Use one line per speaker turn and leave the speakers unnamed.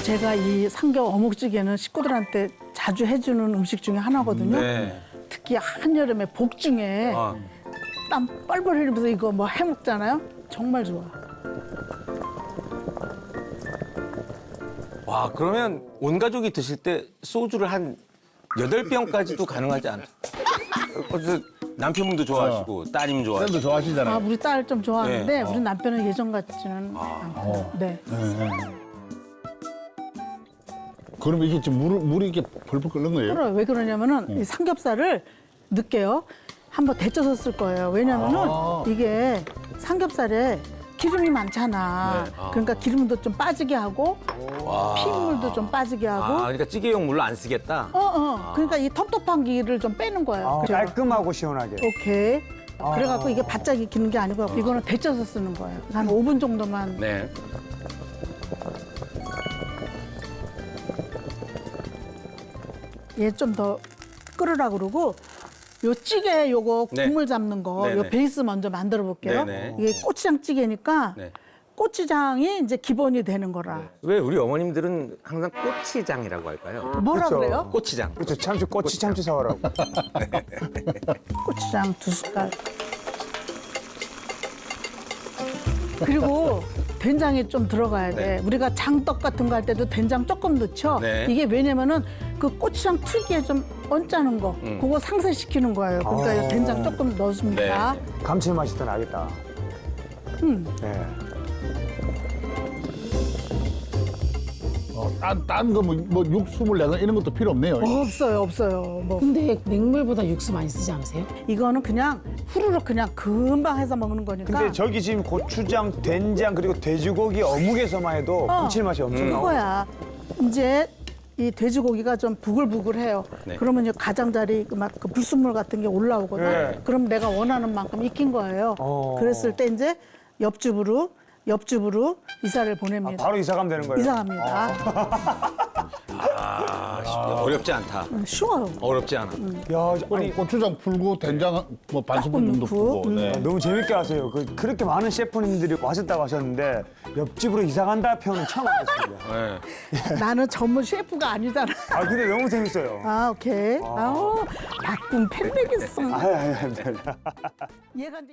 제가 이 삼겹 어묵찌개는 식구들한테 자주 해주는 음식 중에 하나거든요.
네.
특히 한여름에 복중에 땀 뻘뻘 흘리면서 이거 뭐 해먹잖아요. 정말 좋아.
와, 그러면 온 가족이 드실 때 소주를 한 8병까지도 가능하지 않아요? 어쨌든 남편분도 좋아하시고 따님 좋아하시고.
쌤도 좋아하시잖아요.
아, 우리 딸 좀 좋아하는데
네.
우리 남편은 예전 같지는 않고. 네.
그럼 이게 지금 물이 이렇게 펄펄 끓는 거예요?
그래, 왜 그러냐면은 이 삼겹살을 늦게요. 한번 데쳐서 쓸 거예요. 왜냐면은 이게 삼겹살에 기름이 많잖아.
네.
그러니까 기름도 좀 빠지게 하고 핏물도 좀 빠지게 하고.
그러니까 찌개용 물로 안 쓰겠다?
그러니까 이 텁텁한 기를 좀 빼는 거예요. 그죠?
깔끔하고 시원하게.
오케이. 그래갖고 이게 바짝 익히는 게 아니고 이거는 데쳐서 쓰는 거예요. 한 5분 정도만.
네.
얘 좀 더 끓으라 그러고 요 찌개 요거
네.
국물 잡는 거 요
네네.
베이스 먼저 만들어 볼게요.
네네.
이게 고추장 찌개니까
네.
고추장이 이제 기본이 되는 거라.
왜 우리 어머님들은 항상 꼬치장이라고 할까요?
뭐라
그쵸.
그래요?
꼬치장.
그렇죠. 참치, 꼬치 참치 사오라고.
고추장 2숟갈. 그리고 된장이 좀 들어가야 돼.
네.
우리가 장떡 같은 거 할 때도 된장 조금 넣죠.
네.
이게 왜냐면은 그 고추장 특유의 좀 언짢은 거, 그거 상쇄시키는 거예요. 그러니까 이 된장 조금 넣어줍니다.
네.
감칠맛이 더 나겠다. 네.
딴 거 뭐 육수물 내가 이런 것도 필요 없네요.
없어요, 없어요. 뭐
근데 냉물보다 육수 많이 쓰지 않으세요?
이거는 그냥 후루룩 그냥 금방 해서 먹는 거니까.
근데 저기 지금 고추장, 된장 그리고 돼지고기 어묵에서만 해도 감칠맛이 엄청 나와.
그거야. 이제 이 돼지고기가 좀 부글부글해요.
네.
그러면 이제 가장자리 막 그 불순물 같은 게 올라오거든.
네.
그럼 내가 원하는 만큼 익힌 거예요. 그랬을 때 이제 옆집으로 이사를 보냅니다.
바로 이사 가면 되는 거예요.
이사 갑니다.
어렵지 않다.
쉬워요.
어렵지 않아.
야, 아니
고추장 풀고 된장 뭐 반 스푼 정도
넣고,
풀고. 네.
너무 재밌게 하세요. 그렇게 많은 셰프님들이 와셨다고 하셨는데 옆집으로 이사 간다 표현은 처음 알았습니다.
네.
나는 전문 셰프가 아니잖아.
아 근데 너무 재밌어요.
아, 오케이. 아우, 바쁜 팬되겠어.
아유.
얘가 이제